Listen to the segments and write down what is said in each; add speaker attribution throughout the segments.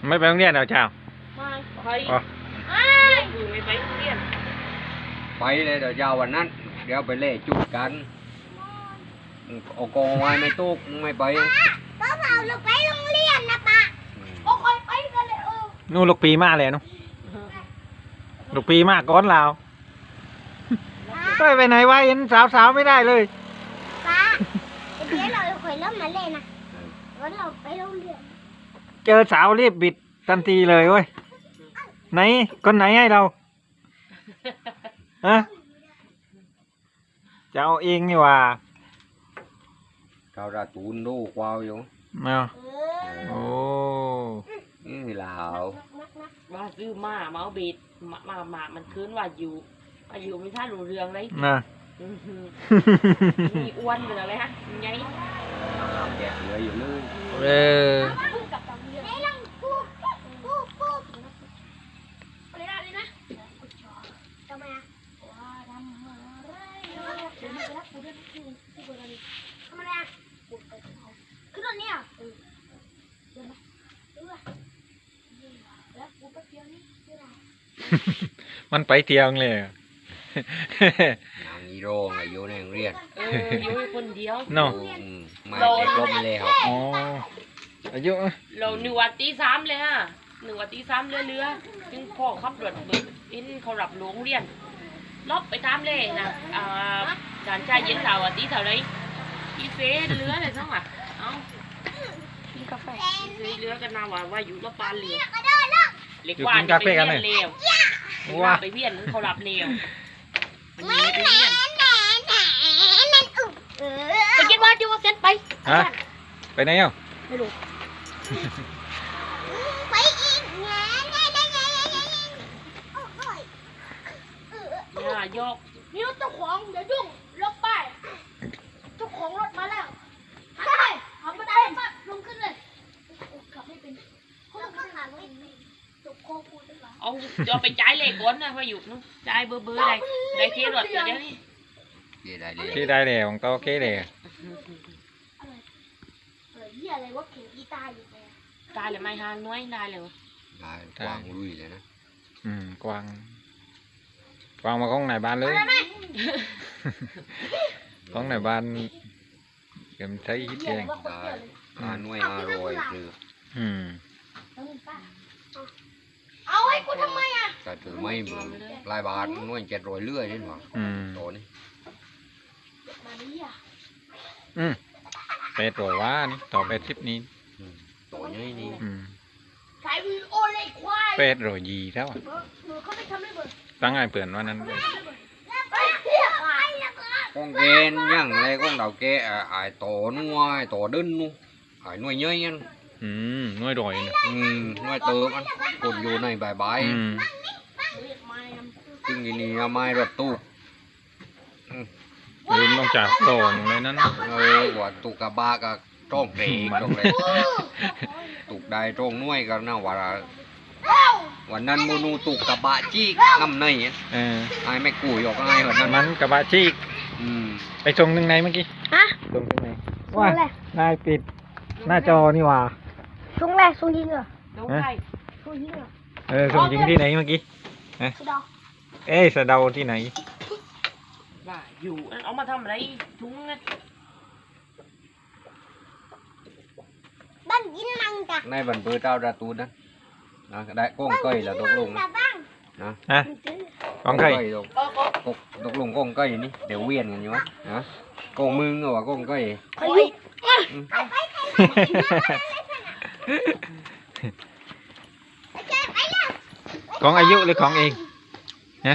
Speaker 1: ไม่ไปโรงเรียนเหรอเจ้า
Speaker 2: ไม่ไปไม่ไปโรงเรียน
Speaker 3: ไปเลยเดี๋ยวยาววันนั้นเดี๋ยวไปเล่จุดกันเอากองไว้ไม่ตุกไม่ไป
Speaker 4: ป้าเราไปโรงเรียนนะป้าโอ้ยไปกันเลย
Speaker 1: นู่นลูกปีมากเลยนู่นลูกปีมากก้อนลาวไปไหนวะเห็นสาวไม่ได้เลย
Speaker 4: ป้าเดี๋ยวเราคุยเริ่มมาเลยนะวันเราไปโรงเรียน
Speaker 1: เจอสาวรีบบิดทันทีเลยเว้ยไหนคนไหนให้เราฮะจะเอาเองนี่ว่า
Speaker 3: เขาราตูนดูกวาวอยู่
Speaker 1: มาโอ้
Speaker 3: นี่ลาว
Speaker 2: ว่าซื้อมาเอาบิดมามันคืนว่าอยู่ไม่ท่ารู้เรื่องเลย
Speaker 1: นะ
Speaker 2: มีอ้วนเป็นอะไรฮะไง
Speaker 3: แกะเหลืออยู่เลย
Speaker 1: มันไปเที่ยวเลย
Speaker 3: นางอีโร่ไงอยู่ในโรงเรียน
Speaker 2: อยู่คนเดียว
Speaker 1: เนาะ
Speaker 3: ไม่ได้กลมเลยครับ
Speaker 1: อ๋ออายุ
Speaker 2: เรา1 วันตี 3เลยฮะ1 วันตี 3เรือจึงพ่อขับรถอินเขารับโรงเรียนลบไปตามเลยนะด่านชายเย็นเราตีเท่าไรอีเฟสเรืออะไรทั้งอ่ะเอากินกาแฟเรือกันนาว่าอยู่รถปานเรือเล็กว่าจะไปเวียนเร็วว่าไปเวียนเขารับเร็วมันมีไปเวียนไปกินว่าที่ว่าเซ็นไป
Speaker 1: ไปไหนอ่ะ
Speaker 2: ไม่รู้
Speaker 4: ไปอีก
Speaker 2: ยก
Speaker 4: นี่รถเจ้าของเดี๋ยวยุ่งลบไปเจ้าของรถมาแล้วขับมาได้มาลงขึ้นเลยขับไม่เป็นเขาขับหาไม่ตกโคกูได้หรอ
Speaker 2: เอาจะไปจ่ายเลขก่อนนะว่าอยู่นู้นจ่ายเบอร์ได้เครถเดี๋ยวนี้
Speaker 1: ที่ได้เลยของโตเคเลย
Speaker 4: อะไรวะเข็มกีตาร์อยู่เลย
Speaker 2: ตายเลยไม่ฮานน้อยได้เลยวะ
Speaker 3: ได้กวางลุยเลยนะ
Speaker 1: กวางมาของไหนบ้านเลยของไหนบ้านเก็บใช้ฮิตเอง
Speaker 3: ได้หน่วย500คือ
Speaker 4: เอาให้กูทำไมอ่ะ
Speaker 3: แต่ถือไม่ปลายบาทหน่วย700เรื่อยนี่หว่าโตนี่
Speaker 1: เป็ดโรยว่านี่ต่อเป็ดทิปนี้
Speaker 3: โตนี่นี่
Speaker 4: ใส่วีโอเลยควาย
Speaker 1: เป็ดโรยยีแล้วตั้งไงเปลี่ยนวันนั้น
Speaker 3: con ghen nhằng này con đầu kia ai tổ nuôi tổ đơn nu ai nuôi nhơi anh
Speaker 1: nuôi rồi
Speaker 3: nuôi tớ ăn cột dù này bài bài chừng gì nè mai rồi tu
Speaker 1: ลืมต้องจับโตนเลยนั่น
Speaker 3: ว่าตุกกะบากับจ้องเด็กจ้องเลยตุกได้จ้องnuôiกันนะว่าวันนั้นโมนูตุกกะบะจี้น้ำในไอ้ไม่กุยออกไอ้เหรอ
Speaker 1: มันกะบะจี้ไปชงหนึ่งในเมื่อกี้ชงหนึ่งในว่านายปิดหน้าจอนี่ว่า
Speaker 4: ชงแรกชงยิงเหรอ
Speaker 2: ชงใคร
Speaker 4: ชงยิงเหรอ
Speaker 1: ชงยิงที่ไหนเมื่อกี้สะเดาที่ไหน
Speaker 2: ว่าอยู่เอามาทำอะไรชุ้งไง
Speaker 4: บ้านยินมังจ้ะ
Speaker 3: ในบันเบอร์เจ้าดาตูนนะได้ก้องเกยlàตกลงนะ
Speaker 1: ก้องเกย
Speaker 3: ตกลงก้องเกยนี่เดี๋ยวเวียนกันอยู่นะก้องมึงเหรอก้องเกย
Speaker 1: ของอายุหรือของเองฮะ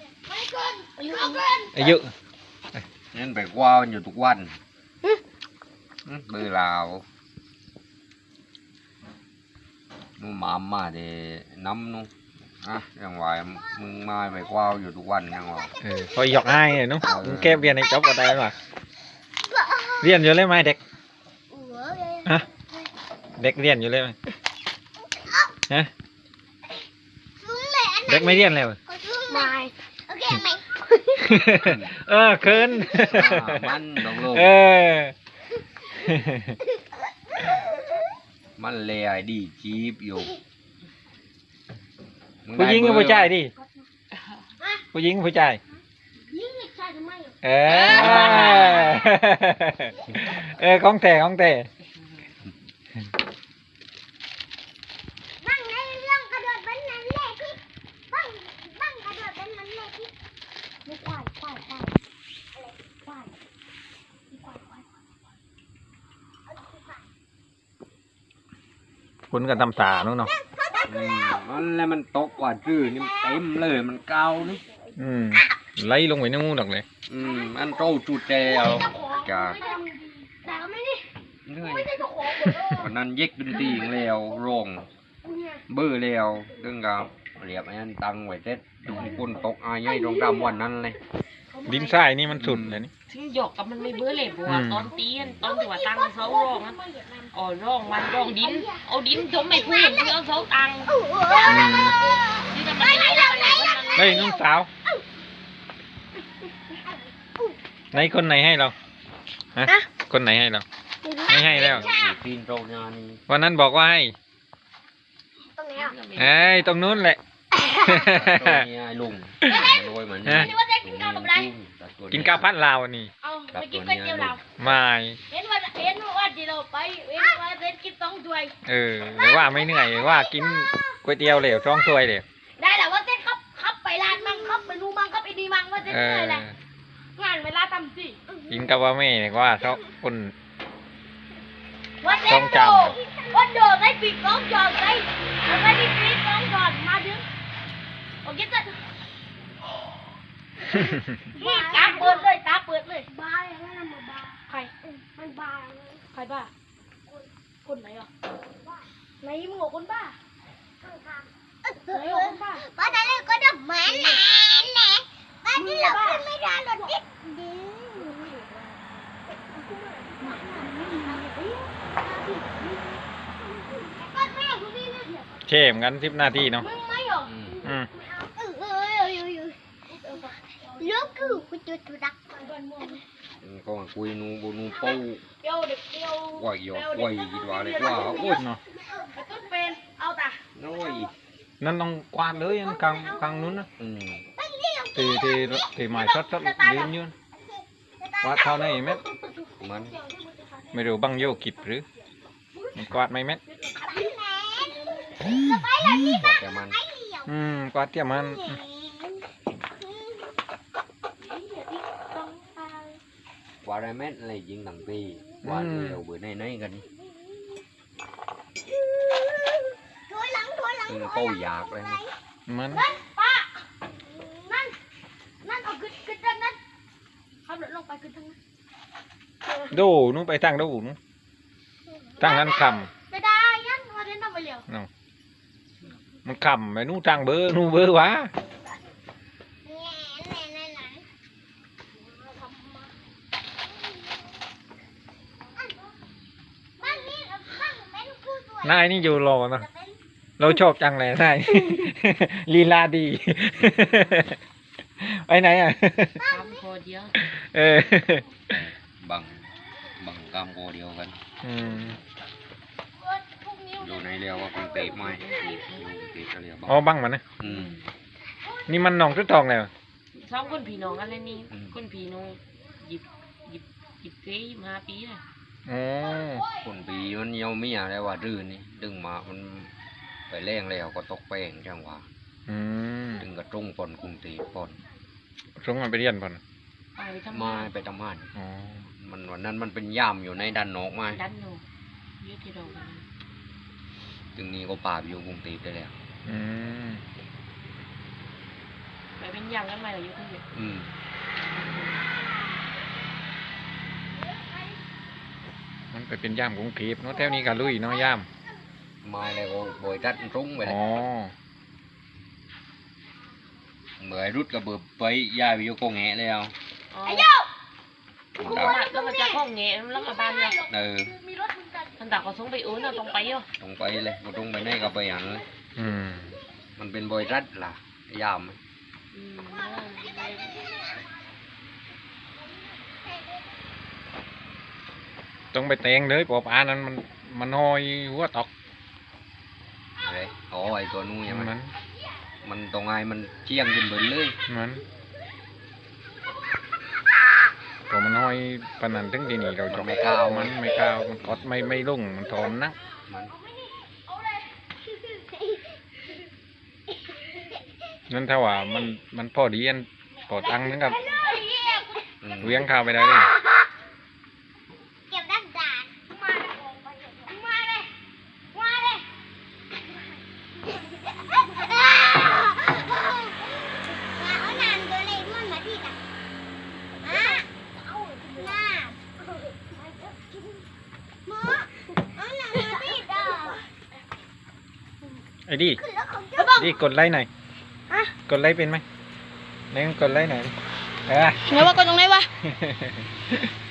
Speaker 1: อายุ
Speaker 3: นั่นไปกว้าวอยู่ทุกวันเบอร์ลาวนู่นมาเดี๋ยวน้ำนู่นยังไหวมึงมาไปกว้าวอยู่ทุกวันยังไหว
Speaker 1: คอยหยอกให้เนาะมึงแก้เรียนในจ็อบอะไรวะเรียนอยู่เลยไหมเด็กฮะเด็กเรียนอยู่เลยไหมฮะเด็กไม่เรียนเลย
Speaker 4: ไม่โอเคไหม
Speaker 1: เคิน
Speaker 3: มันลงมันเลยดีจีบอยู่
Speaker 1: ผู้หญิงกับผู้ชายดิผู้หญิงกับผู้ชาย
Speaker 4: ยิงเด็กชายทำไมอ่ะ
Speaker 1: เอของแท้ของแท้
Speaker 4: บ้างในเรื่องกระโดดเป็นนั้นแหละพี่บ้างกระโดดเป็นนั้นแหละพี่ไม่ควายอะไรควาย
Speaker 1: คุณก็ทำตาเนาะ
Speaker 3: มันแล้วมันตกกว่าจื้อนี่มันเต็มเลยมันเกานี่
Speaker 1: ไล่ลงไปในงูดอกเลย
Speaker 3: มันโตจุดเดียวจ้า
Speaker 4: แต่ก็ไม่ได้
Speaker 3: เหนื่อย
Speaker 4: ไม่ได้เจ้าของหมดเลย
Speaker 3: วันนั้นเย็กดนตรีอย่างแล้วร้อง
Speaker 4: เนี่ย
Speaker 3: เบื่อแล้วดึงกับเรียบไอ้นั่นตังไว้เสร็จดูคนตกอายใหญ่ตรงดำวันนั้นเลย
Speaker 1: ดินทรายนี่มันสุดเลยนี่
Speaker 2: ถึงหยอกกับมันไม่เบื่อเลยบัวตอนตีนตอนที่ว่าตังเสาร้องอ๋อร้องมันร้องดินเอาดินจมไม่พูดเอาเสาตังที่ทำไมไม่ได้มัน
Speaker 1: เฮ้ยน้องสาวไหนคนไหนให้เราฮะคนไหนให้เราไม่ให้แล้ว
Speaker 3: อยู่ปีนโรงงานนี่
Speaker 1: วันนั้นบอกว่าให้
Speaker 4: ตรงนี้อ่ะ
Speaker 1: เอ้ยตรงนู้นแหละ
Speaker 3: ตรงนี้ไอ้ลุงมันรวยเหมือนนี่
Speaker 4: นี่ว่าจะกินข้าวกับอะไร
Speaker 1: กินข้าวพัดลาวนี่
Speaker 4: เอาไปกินก๋วยเตี๋ยวเรา
Speaker 1: ไม่
Speaker 4: เห็นว่าที่เราไปเห็นว่าเซ็นกินต้องถ้วย
Speaker 1: แต่ว่าไม่เหนื่อยว่ากินก๋วยเตี๋ยวเหลวช่องถ้วยเหลว
Speaker 4: ได้แหละว่าเซ็นครับไปร้านมั่งครับไปนู่มั่งครับไอ้ดีมั่งว่าเซ็นเหนื่อยแหละงานเวลาทำสิ
Speaker 1: กินกับว่าแม่เนี่ยว่าชอบคน
Speaker 4: ว่าเซ็นโดว่าโดดได้ปีกน้องจอดได้แล้วก็ดีปีกน้องจอดมาดึงโอเคจ้ะตาเปิดเลยบ้าอย่างนั้นมันบ้าใครมันบ้าใครบ้าคนไหนอ่ะไหนมึงบอกคนบ้าไหนบอกคนบ้าบ้าแต่เรื่องก็ดับแหวนแหน่บ้าที่เราขึ้นไม่ได้หรอกดิ
Speaker 1: เข้มกัน10 นาทีเนาะ
Speaker 4: มึงไม่หรอก ลูกคือกูจุดดัก
Speaker 3: ก็คุยนูบูนูปู
Speaker 4: เดี๋ยวเด็กเดี๋ยว
Speaker 3: ว่าหยอกว่าอีกว่าเลยว่าโอ้ย
Speaker 1: เนาะ
Speaker 4: ไอ้ต้นเป็นเอาตา
Speaker 3: น้อย
Speaker 1: นั่นต้องกวาดเลยอันกลางนู้นนะที่หมายซัดยืนยืนกวาดเท่าไหนเม็ด
Speaker 3: มัน
Speaker 1: ไม่รู้บังโยกิดหรือมันกวาดไหมเม็ด
Speaker 3: แต่มัน
Speaker 1: กวาดเตี้ยมัน
Speaker 3: ว่าได้แม่อะไรยิงหนังปีว่าเร็วเบื่อในกัน
Speaker 4: ถอยหลัง
Speaker 3: เป้าอยากเลย
Speaker 1: มัน
Speaker 4: ป้านั่นเอาขึ้นทางนั้นขับรถลงไปขึ้นทางนั้น
Speaker 1: ดูนู้นไปทางดูนู้นทางนั้นค
Speaker 4: ไม่ได้ยันว่าเดินทำไปเร็ว
Speaker 1: ำเนาะมันคำไปนู้นทางเบอร์นู้นเบอร์วะ นายนี่อยู่รอเนาะเราชอบจังเลยนาย ลีลาดี ไปไหนอ่ะ
Speaker 2: ทำพอเดียว
Speaker 3: bằng cam cô điều gần ดูในเรียวว่าคุณเตะไม่เตะเรียว
Speaker 1: อ๋อบังมันนะ นี่มันหนองทุกทองแล้ว
Speaker 2: สองคนพี่น้องอะไรนี่คนพี่น้องหยิบเฟ้มาปีเลย
Speaker 1: อ๋อ
Speaker 3: คนปีมันเยี่ยวไม่อะไรว่าดื้อนี่ดึงมามันไปแรงแล้วก็ตกแป้งจังหวะดึงกระtrungปนคุณเตะปน
Speaker 1: ส่งมันไปเรียนป่ะ
Speaker 2: ไปทำ
Speaker 3: มาไปทำงาน
Speaker 1: อ๋อ
Speaker 3: มันวันนั้นมันเป็นย่ามอยู่ในดันนอกไม้
Speaker 2: ดันอยู่ยืดที่เรา
Speaker 3: จึงนี้ก็ป่าอยู่กรุงเทพได้แล้ว
Speaker 2: ไปเป็นยังกันไหมล่ะยุคนี้
Speaker 1: มันไปเป็นย่ามกรุงเทพเนาะแถวนี้ก็ลุยเนาะย่าม
Speaker 3: มาแล้วก็บอยรัดรุ้งไปเลย
Speaker 1: อ๋อ
Speaker 3: เมื่อรุดก็เบิดไปย้ายไปอยู่กงแงะแล้ว
Speaker 2: อ๋อแล้วมันจะห้องเงี้ยแล้วมาบ้านเนี่ย
Speaker 4: มีรถมึงกัน
Speaker 2: มันตักก็ส่งไปอุ้นเราต้องไปอ่ะ
Speaker 3: ตรงไปเลยบ่ตรงไปไหนก็ไปหันเลย มันเป็นบอยรัดล่ะยาม
Speaker 1: ต้องไปแต่งเลยปอบอานั้นมันหอยหัวตอก
Speaker 3: เลยอ๋อไอ้ตัวนู้นใช่ไหม
Speaker 1: มัน
Speaker 3: มมันตรงไงมันเชียงขึ้นเบิดเลย
Speaker 1: มันพอมันห้อยปานนันถึงที่นี่เราจ
Speaker 3: มัน
Speaker 1: บ
Speaker 3: ไม่ก้าว
Speaker 1: มันไม่ก้าวมันกดไม่ลงมันทนนัก
Speaker 3: มัน
Speaker 1: นั่นถ้าว่ามันพอดีอันพอตั้งนึงกับ
Speaker 3: อืม
Speaker 1: เวียงข้าวไปได้เลย
Speaker 4: เก็บดักดานมาเลยมาเลยมาเลยเอานานตัวเลยมันมาที่ตักเอาหน้าหมอเอานานมาที่ตัก
Speaker 1: ไอ้ดิ
Speaker 4: ขึ้นแล้วของเจ้า
Speaker 1: ดิกดไลค์หน่อยกดไลค์เป็นไหมไหนกดไลค์หน่อย
Speaker 4: ไงว่ากดตรงไหนวะ